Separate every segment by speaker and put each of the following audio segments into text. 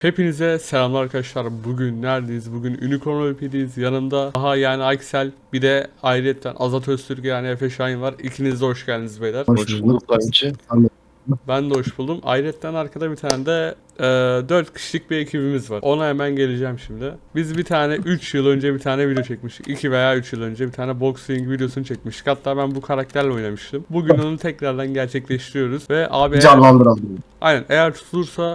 Speaker 1: Hepinize selamlar arkadaşlar. Bugün neredeyiz? Bugün Unicorn VIP'deyiz. Yanımda daha yani Aksel, bir de ayrıyetten Azat Öztürk yani Efe Şahin var. İkiniz de hoş geldiniz beyler.
Speaker 2: Hoş bulduk kanki.
Speaker 1: Ben de hoş buldum. Ayrıyetten arkada bir tane de 4 kişilik bir ekibimiz var. Ona hemen geleceğim şimdi. Biz bir tane 3 yıl önce bir tane video çekmiştik. 2 veya 3 yıl önce bir tane boxing videosunu çekmiştik. Hatta ben bu karakterle oynamıştım. Bugün onu tekrardan gerçekleştiriyoruz. Ve abi
Speaker 2: Canlandıralım.
Speaker 1: aynen, eğer tutulursa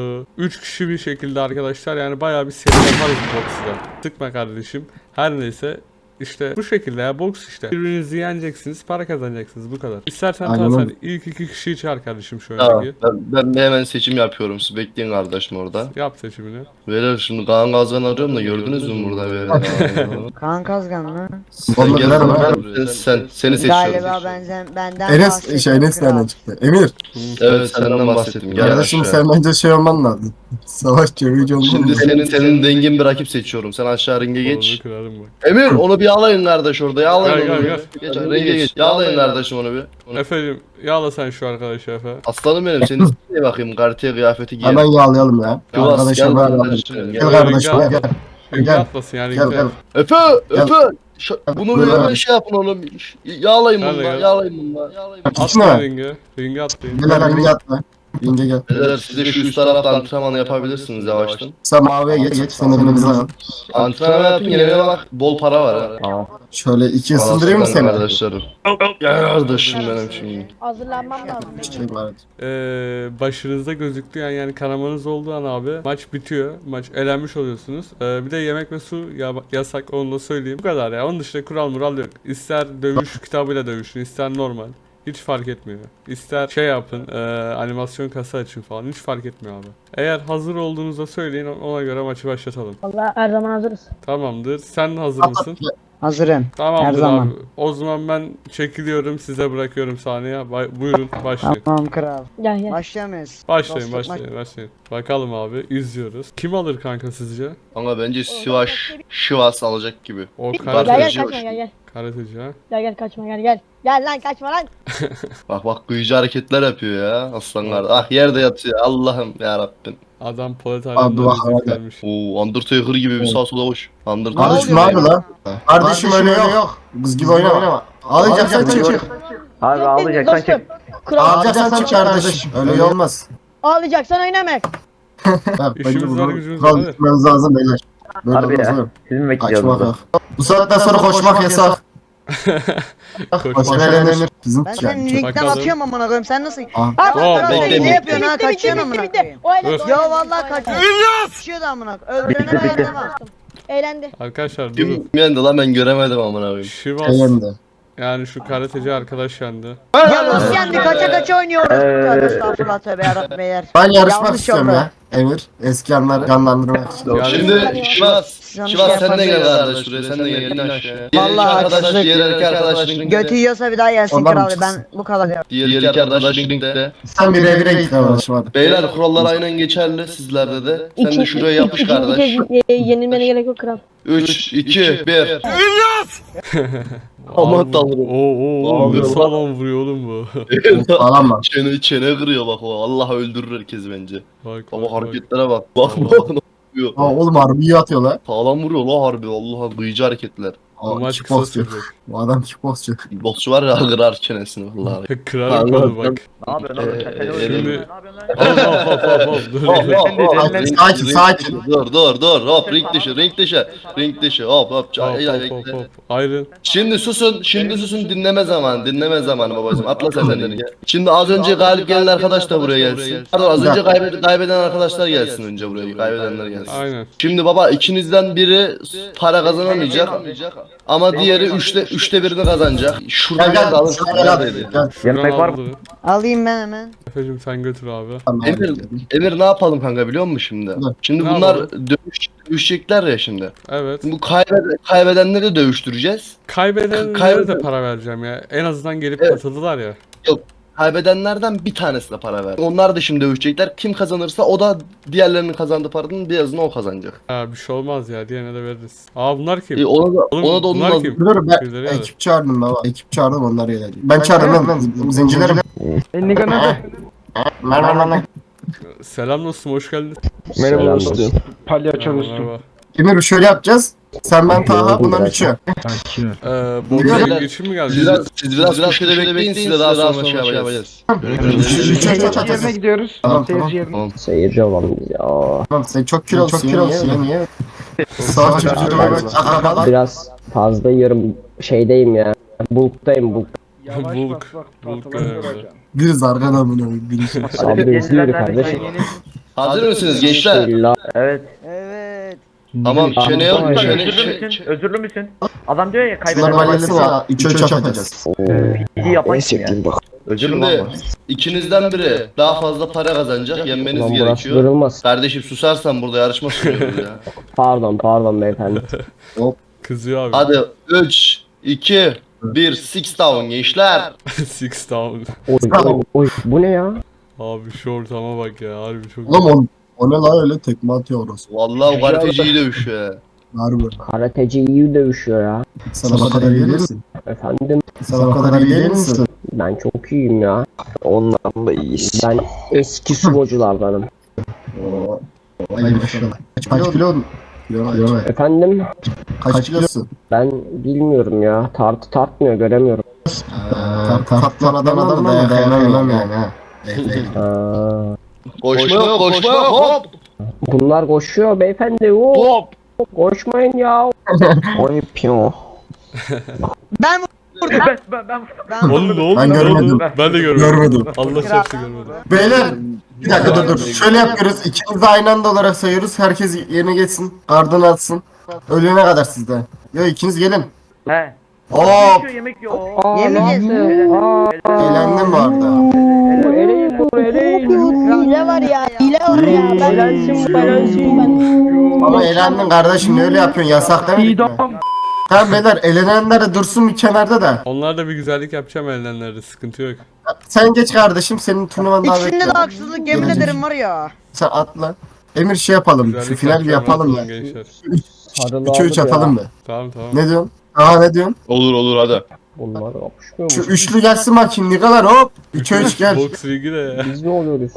Speaker 1: 3 kişi bir şekilde arkadaşlar, yani bayağı bir seri yaparız bu box'da. Sıkma kardeşim. Her neyse, işte bu şekilde ya, box işte. Birbirinizi yeneceksiniz, para kazanacaksınız, bu kadar. İstersen
Speaker 2: Aynen
Speaker 1: sen
Speaker 2: öyle.
Speaker 1: ilk 2 kişiyi çağır kardeşim şu
Speaker 2: Tamam,
Speaker 1: öndeki.
Speaker 2: ben hemen seçim yapıyorum. Siz bekleyin kardeşim orada.
Speaker 1: Yap seçimini.
Speaker 2: Beyler şimdi Kaan Gazgan arıyorum da gördünüz mü burada beyler?
Speaker 3: Kaan Kazgan mı?
Speaker 2: Sen gel buraya. Seni seçiyorum.
Speaker 3: Galiba benden
Speaker 4: Enes
Speaker 3: bahsediyor
Speaker 4: Enes
Speaker 3: kral.
Speaker 4: nereden çıktı? Emir.
Speaker 2: Evet senden bahsettim. Gel
Speaker 4: Kardeşim
Speaker 2: aşağı.
Speaker 4: sen bence şey olman lazım. Savaş çevici olman
Speaker 2: Şimdi
Speaker 4: lazım.
Speaker 2: senin dengin bir rakip seçiyorum. Sen aşağı ringe
Speaker 1: Onu
Speaker 2: geç.
Speaker 1: kırarım bak.
Speaker 2: Emir onu bir yağlayın kardeş orada. Yağlayın
Speaker 1: Gel,
Speaker 2: onu.
Speaker 1: gel,
Speaker 2: Geç ringe geç. Yağlayın kardeşim onu bir.
Speaker 1: Efendim, yağla sen şu arkadaşı Efe.
Speaker 2: Aslanım benim. Senin ismine bakayım. Kartiye kıyafeti giy.
Speaker 4: Hemen yağlayalım ya.
Speaker 2: Kıvas gel
Speaker 4: Arkadaşlar ben
Speaker 2: kardeşim.
Speaker 4: Gel
Speaker 2: Gel.
Speaker 4: kardeşim gel.
Speaker 1: Ringe
Speaker 4: Gel.
Speaker 1: atlasın yani.
Speaker 4: Gel
Speaker 1: ringe.
Speaker 4: gel.
Speaker 2: Efe! Efe! Bunu
Speaker 4: Buyur
Speaker 2: böyle
Speaker 4: abi.
Speaker 2: şey yapın oğlum. Yağlayın
Speaker 1: Gel,
Speaker 2: bunu.
Speaker 1: gel.
Speaker 2: Yağlayın bunu. Yağlayın bunu.
Speaker 4: Gitme.
Speaker 1: Atlayın ringe. Ringe atlayın.
Speaker 4: Gel ringe atla. Ringe gel.
Speaker 2: Beyler siz de şu üst tarafta antrenman yapabilirsiniz yavaştan.
Speaker 4: Sen maviye geç. Sen elimizi al.
Speaker 2: Antrenman yapın yenene bak bol para var ha.
Speaker 4: Şöyle iki ısındırayım mı seni?
Speaker 2: Arkadaşlarım. Gel kardeşim benim şimdi.
Speaker 5: Hazırlanmam lazım.
Speaker 4: Çiçek var.
Speaker 1: Başınızda gözüktüğü yani kanamanız olduğu an abi maç bitiyor. Maç elenmiş oluyorsunuz. Bir de yemek ve su yasak, onu da söyleyeyim. Bu kadar ya. Onun dışında kural mural yok. İster dövüş kitabıyla dövüşün, ister normal. Hiç fark etmiyor. İster şey yapın, animasyon kasa açın falan. Hiç fark etmiyor abi. Eğer hazır olduğunuzda söyleyin, ona göre maçı başlatalım.
Speaker 5: Vallahi her zaman hazırız.
Speaker 1: Tamamdır. Sen hazır mısın?
Speaker 3: Hazırım.
Speaker 1: Tamamdır
Speaker 3: Her zaman.
Speaker 1: abi. O zaman ben çekiliyorum. Size bırakıyorum sahneye. Buyurun başlayın.
Speaker 3: Tamam kral.
Speaker 5: Gel gel.
Speaker 3: Başlayamayız.
Speaker 1: Başlayın,
Speaker 3: Dostluk
Speaker 1: başlayın. Bakalım abi, izliyoruz. Kim alır kanka sizce?
Speaker 2: Ama bence Şivas alacak gibi.
Speaker 1: O
Speaker 5: Gel gel
Speaker 1: karateci,
Speaker 5: kaçma gel.
Speaker 1: karateci ha.
Speaker 5: Gel kaçma gel. Gel lan kaçma lan.
Speaker 2: Bak kıyıcı hareketler yapıyor ya aslan kardeş. Ah yerde yatıyor Allah'ım ya Rabbim.
Speaker 1: Adam Polat
Speaker 4: Abi,
Speaker 1: Alemdar'ı
Speaker 4: bak,
Speaker 1: izletmiş.
Speaker 2: Oo Undertaker gibi bir sağ sola koş. Undertaker.
Speaker 4: Kardeşim ne yapıyor lan? Kardeşim öyle yok. Kız gibi oynama. Alacaksan çık.
Speaker 6: Abi alacaksan
Speaker 5: Dostum.
Speaker 6: çık.
Speaker 5: Kral.
Speaker 4: Alacaksan çık kardeşim. Öyle olmaz.
Speaker 5: Ağlayacaksan oynamak.
Speaker 4: Ha, bence
Speaker 1: İşimiz var,
Speaker 4: bunu
Speaker 1: gücümüz var,
Speaker 4: kural
Speaker 1: hadi.
Speaker 4: gitmemiz lazım beyler. Böyle
Speaker 6: Harbi
Speaker 4: olmaz
Speaker 6: ya.
Speaker 4: oğlum.
Speaker 6: Siz mi bekleyeceğiz
Speaker 4: Kaçmak
Speaker 6: burada?
Speaker 4: yok. Bu saatten sonra koşmak yasak. Koşmak elenir. Bizim
Speaker 3: Ben senin
Speaker 4: yani.
Speaker 3: linkten
Speaker 1: Bakalım.
Speaker 3: atıyorum amına koyayım. Sen nasıl?
Speaker 4: Aa.
Speaker 3: Ha,
Speaker 1: Tamam,
Speaker 3: kral
Speaker 2: bekle,
Speaker 3: sen ne
Speaker 2: bekle.
Speaker 3: yapıyorsun ha? Kaçıyorsun amına koyayım.
Speaker 5: O eğlendi.
Speaker 1: Dur.
Speaker 3: Ya vallahi kaçıyor. Kaçıyor da amına. Öldürene
Speaker 6: Bitti, bitti.
Speaker 3: dayanamaz.
Speaker 5: Eğlendi.
Speaker 1: Arkadaşlar durun.
Speaker 2: Kim yendi lan ben göremedim amına koyayım.
Speaker 1: Şivas,
Speaker 4: Eğlendi.
Speaker 1: yani şu karateci arkadaş yendi.
Speaker 3: Ya nasıl yendi? Kaça oynuyoruz. Tövbe estağfurullah tövbe yarabbim beyler.
Speaker 4: Ben yarışmak
Speaker 3: Yanlış
Speaker 4: istiyorum
Speaker 3: oldu.
Speaker 4: ya. Emir. Eski anları canlandırmak için.
Speaker 1: Yani-
Speaker 2: Şimdi Şivas.
Speaker 3: Şu an
Speaker 2: Şivas
Speaker 3: şey
Speaker 2: sen de gel
Speaker 3: yapamıyorum.
Speaker 2: kardeş şuraya sen de gel in aşağıya.
Speaker 3: Vallahi
Speaker 2: Diğer iki arkadaş
Speaker 3: haksızlık.
Speaker 2: diğer iki arkadaş linkte.
Speaker 3: Götü yiyorsa bir daha gelsin
Speaker 4: Ondan
Speaker 3: kral.
Speaker 4: çıksın.
Speaker 3: Ben bu kadar diyorum.
Speaker 2: Diğer iki arkadaş linkte.
Speaker 4: Sen bir evine git kardeşim hadi.
Speaker 2: Beyler kurallar aynen geçerli sizlerde de. Sen de şuraya yapış kardeş.
Speaker 5: İkinci kez yenilmene gerek yok kral.
Speaker 2: 3, 2, 1.
Speaker 1: Aman
Speaker 2: Aman tanrım.
Speaker 1: Oo, ne
Speaker 2: Abi,
Speaker 1: sağlam vuruyor oğlum bu.
Speaker 4: Falan mı?
Speaker 2: Çene kırıyor bak o. Allah öldürür herkes bence.
Speaker 1: Bak,
Speaker 2: Ama
Speaker 1: bak.
Speaker 2: hareketlere bak. Bak
Speaker 1: Allah.
Speaker 2: bak ne yapıyor.
Speaker 4: Aa, oğlum harbi iyi atıyor lan.
Speaker 2: Sağlam vuruyor la harbi. Allah'a kıyıcı hareketler.
Speaker 1: Bu
Speaker 4: Aa,
Speaker 1: maç kısa
Speaker 4: kickboxçu.
Speaker 1: sürecek.
Speaker 4: Bu adam kickboxçu.
Speaker 2: Boksçu var ya kırar çenesini vallahi.
Speaker 1: Kırar kolu bak.
Speaker 6: Ne yapıyorsun oğlum? Şaka
Speaker 1: Şimdi... Hop. Dur.
Speaker 4: Sakin.
Speaker 2: Dur hop ring dışı hop
Speaker 1: Hop. Ayrın.
Speaker 2: Şimdi susun dinleme zamanı babacığım atla sen de ringe. Şimdi az önce galip gelen arkadaş da buraya gelsin. Pardon az önce kaybeden arkadaşlar gelsin önce buraya kaybedenler gelsin.
Speaker 1: Aynen.
Speaker 2: Şimdi baba ikinizden biri para kazanamayacak ama diğeri üçte birini kazanacak. Şuradan
Speaker 4: Gel
Speaker 2: alın
Speaker 4: gel.
Speaker 6: Yemek var mı?
Speaker 1: Şuradan aldı.
Speaker 3: Alayım ben hemen.
Speaker 1: Efecim sen götür abi.
Speaker 2: Emir ne yapalım kanka biliyor musun şimdi?
Speaker 4: Ne?
Speaker 2: Şimdi
Speaker 1: Ne
Speaker 2: bunlar
Speaker 1: yapalım?
Speaker 2: dövüşecekler ya şimdi.
Speaker 1: Evet.
Speaker 2: Bu kaybedenleri dövüştüreceğiz.
Speaker 1: Kaybedenlere de para vereceğim ya. En azından gelip
Speaker 2: Evet.
Speaker 1: katıldılar ya.
Speaker 2: Kaybedenlerden bir tanesine para ver. Onlar da şimdi dövüşecekler. Kim kazanırsa o da diğerlerinin kazandığı paranın birazını o kazanacak.
Speaker 1: Ha, bir şey olmaz ya. Diğerine de veririz. Aa, bunlar kim?
Speaker 2: Ona da
Speaker 1: Oğlum,
Speaker 2: ona da onun
Speaker 1: bunlar
Speaker 2: lazım.
Speaker 1: kim?
Speaker 4: Dur ben
Speaker 1: Birileri geldi.
Speaker 4: ekip çağırdım baba. Ekip çağırdım onlar gelecek. Ben çağırdım lan. Zincirlerim.
Speaker 6: Enni nerede?
Speaker 4: Merhaba.
Speaker 1: Selam dostum, hoş geldin.
Speaker 7: Merhaba
Speaker 8: Selam
Speaker 7: dostum.
Speaker 8: dostum.
Speaker 7: Palyaço dostum.
Speaker 1: Merhaba.
Speaker 4: Emir şöyle yapacağız. Sen ben Taha
Speaker 8: Yoruldum
Speaker 4: bundan
Speaker 8: biraz.
Speaker 4: 3'ü.
Speaker 1: Borcayla geçim mi geldi?
Speaker 2: Siz biraz köşede bekleyin, size daha sonra şey yapacağız.
Speaker 4: Üçe
Speaker 7: Seyirci
Speaker 4: çatacağız.
Speaker 7: yerine gidiyoruz.
Speaker 4: Tamam,
Speaker 7: Seyirci yerine.
Speaker 8: Seyirci olalım biz ya.
Speaker 4: Tamam sen çok kilolusun. Niye? Sağ çocuğuma bak. Akrabalar.
Speaker 8: Biraz fazla yiyorum. Şeydeyim ya. Bulktayım bulk.
Speaker 7: Yavaş
Speaker 1: Bulk.
Speaker 7: bak bak.
Speaker 1: Bulk,
Speaker 7: Tahtaları
Speaker 1: evet.
Speaker 7: göreceksin.
Speaker 4: Bir zargan amına koyayım. Bir
Speaker 8: Abi izliyor kardeşim.
Speaker 2: Hazır mısınız gençler?
Speaker 8: İlla.
Speaker 6: Evet.
Speaker 3: Evet.
Speaker 2: Tamam, çene yok.
Speaker 6: Özürlü müsün? Özürlü müsün? Adam diyor ya
Speaker 4: Bunlar
Speaker 6: kaybeden
Speaker 4: valisi var. 3'e çatacağız.
Speaker 6: iyi yapan kim ya? Özürlü mü
Speaker 2: Şimdi
Speaker 6: ama?
Speaker 2: ikinizden biri daha fazla para kazanacak, yenmeniz
Speaker 8: Ulan burası
Speaker 2: gerekiyor.
Speaker 8: kırılmaz.
Speaker 2: Kardeşim susarsan burada yarışma sunuyoruz ya.
Speaker 8: Pardon beyefendi.
Speaker 1: Kızıyor abi.
Speaker 2: Hadi 3, 2, 1, 6 down gençler.
Speaker 1: Six down.
Speaker 8: Oy, bu ne ya?
Speaker 1: Abi şu ortama bak ya, harbi çok
Speaker 4: Oğlum o ne lan öyle tekme atıyor orası.
Speaker 2: Vallahi o gazeteci iyi dövüşüyor ya.
Speaker 4: Harbi.
Speaker 8: Karateci iyi dövüşüyor ya.
Speaker 4: Sen o kadar iyi değilsin.
Speaker 8: Efendim
Speaker 4: Sen o kadar iyi değil misin?
Speaker 8: ben çok iyiyim ya.
Speaker 9: Ondan da iyiyiz.
Speaker 8: Ben eski sumoculardanım.
Speaker 4: Ay maşallah. Kaç kilo? Kilo.
Speaker 8: Efendim
Speaker 4: Kaç kilosun?
Speaker 8: ben bilmiyorum ya. Tartmıyor göremiyorum.
Speaker 4: Tatlan adam da dayanamam yani ha.
Speaker 8: Aa,
Speaker 2: Koşma yok, koşma yok, hop.
Speaker 8: bunlar koşuyor beyefendi. Hop. Koşmayın ya.
Speaker 9: Oy piyon.
Speaker 3: Ben
Speaker 6: Ben
Speaker 1: Oğlum ne oldu?
Speaker 4: Ben
Speaker 1: Ne oldu?
Speaker 4: görmedim.
Speaker 1: Ben de görmedim.
Speaker 4: Görmedim.
Speaker 1: Allah çarptı görmedim.
Speaker 4: Beyler bir dakika dur. Şöyle yapıyoruz. İkimiz de aynı anda olarak sayıyoruz. Herkes yerine geçsin. Ardını atsın. Ölene kadar sizde. Yo ikiniz gelin.
Speaker 6: He.
Speaker 4: Hop.
Speaker 6: Yemek yiyor.
Speaker 3: Yemeyeceğiz.
Speaker 4: Eğlendim bu arada.
Speaker 5: Hile var ya. Hile var ya. Ben
Speaker 4: Ama eğlendin kardeşim. Ne öyle yapıyorsun? Yasak demedik mi? Tamam beyler elenenler de dursun bir kenarda da.
Speaker 1: Onlar da bir güzellik yapacağım elenlerde, sıkıntı yok.
Speaker 4: Sen geç kardeşim. Senin turnuvan daha
Speaker 3: İkisinde de
Speaker 4: bekliyor.
Speaker 3: haksızlık yemin ederim var ya.
Speaker 4: Sen atla. Emir şey yapalım. Şu
Speaker 1: Güzellik
Speaker 4: final bir yapalım ya.
Speaker 1: gençler.
Speaker 4: 3'e 3 atalım be.
Speaker 1: Tamam tamam.
Speaker 4: Ne diyorsun? Aha ne diyorsun?
Speaker 2: Olur hadi.
Speaker 8: Bunlar kapışmıyor
Speaker 4: Şu
Speaker 8: mu?
Speaker 4: üçlü gelsin bakayım Nikalar hop. 3'e 3 gel.
Speaker 1: Box ligi de ya.
Speaker 8: Biz ne oluyoruz?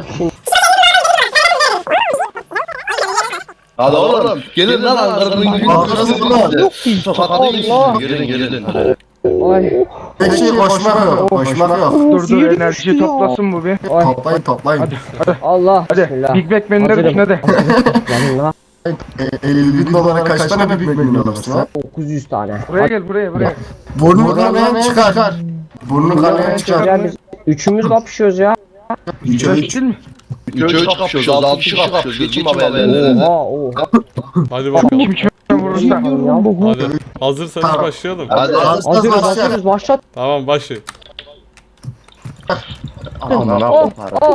Speaker 2: Hadi oğlum. Gelin lan Ankara'nın günü.
Speaker 4: Allah.
Speaker 2: Gelin.
Speaker 8: Ay.
Speaker 4: Tek şey koşmak yok. Koşmak yok.
Speaker 7: Dur enerjiyi toplasın bu bir.
Speaker 4: Toplayın.
Speaker 8: Allah.
Speaker 7: Hadi
Speaker 8: Bismillah.
Speaker 7: Big Mac menüleri
Speaker 8: Hazırım.
Speaker 7: düşün hadi.
Speaker 8: Gelin lan.
Speaker 4: 50 bin dolara kaç tane Big Mac alırsın ha?
Speaker 8: 900 tane.
Speaker 7: Buraya gel buraya.
Speaker 4: Burnunu kanayan çıkar. Burnunu kanayan çıkar.
Speaker 8: Ya biz üçümüz kapışıyoruz ya.
Speaker 4: 3'e 3.
Speaker 7: Değil mi?
Speaker 2: 3'e 3 kapışıyoruz, 6 kişi kapışıyoruz. Geçin haberlerine.
Speaker 8: Oha.
Speaker 1: Hadi bakalım.
Speaker 7: Kim kime vurursa.
Speaker 1: Hadi. Hazırsanız
Speaker 4: Tamam.
Speaker 1: başlayalım.
Speaker 2: Hadi.
Speaker 8: Hazırız başlat.
Speaker 1: Tamam başlayın.
Speaker 8: Oh.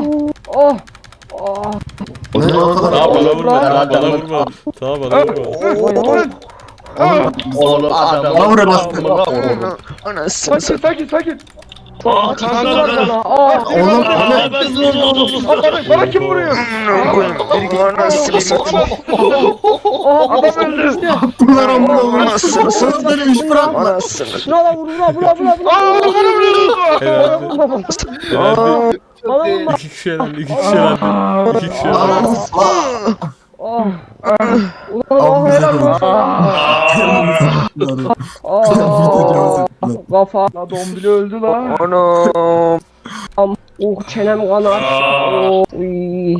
Speaker 4: Ne o kadar?
Speaker 1: Daha bana vurma. Daha
Speaker 2: Hadi,
Speaker 1: bana
Speaker 2: hadi.
Speaker 1: vurma. Daha bana vurma.
Speaker 2: Oğlum adam.
Speaker 4: Bana vur anasını.
Speaker 9: Anasını
Speaker 7: Sakin.
Speaker 8: Kandılar bana. Aa.
Speaker 4: Oğlum
Speaker 7: Bana kim vuruyor?
Speaker 9: Anasını satayım.
Speaker 8: Aa. Adam öldü.
Speaker 4: bunlar amına koyayım.
Speaker 9: Anasını satayım.
Speaker 4: Söz böyle iş bırakma.
Speaker 9: Anasını.
Speaker 8: Şuna vur.
Speaker 1: Helal. Helal.
Speaker 8: Bana vurma.
Speaker 1: İki kişi elendi. İki kişi elendi. İki kişi elendi.
Speaker 8: Oh.
Speaker 4: Abi bize
Speaker 8: Helal
Speaker 4: konuş.
Speaker 8: Kafa.
Speaker 7: La dombili öldü la.
Speaker 9: Anam.
Speaker 8: Çenem kanar. Uy.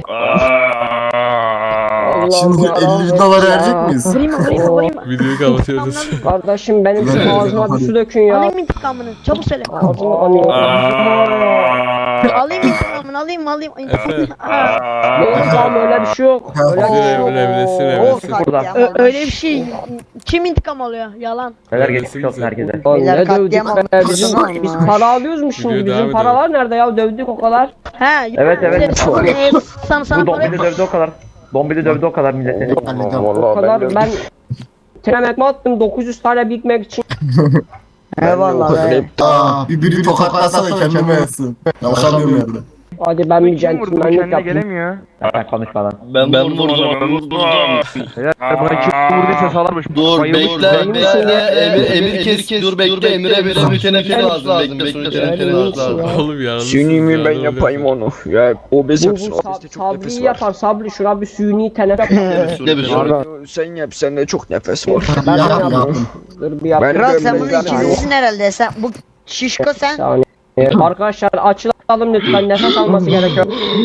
Speaker 4: Şimdi 50 bin dolar verecek miyiz?
Speaker 5: vurayım.
Speaker 1: Videoyu kapatıyoruz.
Speaker 8: Kardeşim benim şu
Speaker 4: Ver,
Speaker 8: ağzıma bir
Speaker 4: hadi.
Speaker 8: su dökün ya.
Speaker 5: Alayım intikamını. Çabuk söyle.
Speaker 8: Ağzını anayım.
Speaker 5: Alayım intikamını. Alayım.
Speaker 1: Efe.
Speaker 8: Yok tamam öyle bir şey yok. Öyle bir şey yok.
Speaker 1: Evlesin evlesin.
Speaker 5: Öyle bir şey. Kim intikam alıyor? Yalan.
Speaker 6: Neler geçmiş olsun herkese.
Speaker 8: Lan
Speaker 3: Beyler
Speaker 8: ne dövdük
Speaker 3: katliam
Speaker 8: be
Speaker 3: olmuş.
Speaker 8: bizim
Speaker 3: Tamam.
Speaker 8: biz para alıyoruz mu şimdi
Speaker 1: Videoya devam
Speaker 8: bizim paralar nerede ya dövdük o kadar.
Speaker 5: He.
Speaker 6: Evet.
Speaker 5: Sana
Speaker 6: Bu
Speaker 5: para
Speaker 6: dombili dövdü o kadar. Dombili dövdü o kadar milleti.
Speaker 8: O kadar ben tren attım 900 tane Big Mac için.
Speaker 3: Eyvallah be.
Speaker 4: Biri tokatlasana kendime yatsın. Kalkamıyorum yerde.
Speaker 8: Hadi ben bir
Speaker 7: Kim vurdu? Bu
Speaker 8: centilmenlik
Speaker 7: kendine
Speaker 8: yapayım.
Speaker 7: gelemiyor.
Speaker 6: Sen konuşma lan.
Speaker 2: Ben vurdum vurdum.
Speaker 7: Beyler buna kim vurduysa salarmış.
Speaker 2: Dur
Speaker 7: Bayılmış
Speaker 2: bekle
Speaker 7: bu.
Speaker 2: Emir kes dur bekle Emir'e bir sürü teneffüs lazım bekle sürü teneffüs lazım.
Speaker 1: Oğlum ya.
Speaker 9: Suni mi ben yapayım onu. Ya obez
Speaker 8: Bu
Speaker 9: yapsın. Obezde çok
Speaker 8: Sabri'yi
Speaker 9: nefes var.
Speaker 8: yapar. Sabri şuna bir suni teneffüs yap.
Speaker 2: Ne bir sürü.
Speaker 9: Sen yap sende çok nefes var.
Speaker 8: Ben de
Speaker 4: Yap,
Speaker 8: yapayım.
Speaker 4: yap.
Speaker 8: Dur bir yapayım.
Speaker 9: Ben-
Speaker 3: Kral sen bunun
Speaker 9: ben-
Speaker 3: ikincisin herhalde. Sen bu şişko sen.
Speaker 8: saniye. Arkadaşlar açılalım lütfen, nefes alması gerekiyor.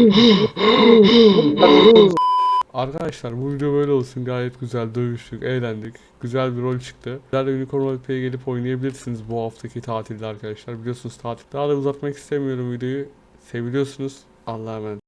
Speaker 1: Arkadaşlar bu video böyle olsun. Gayet güzel dövüştük, eğlendik. Güzel bir rol çıktı. Sizler de Unicorn Roleplay'e gelip oynayabilirsiniz bu haftaki tatilde arkadaşlar. Biliyorsunuz tatil. Daha da uzatmak istemiyorum videoyu. Seviliyorsunuz. Allah'a emanet.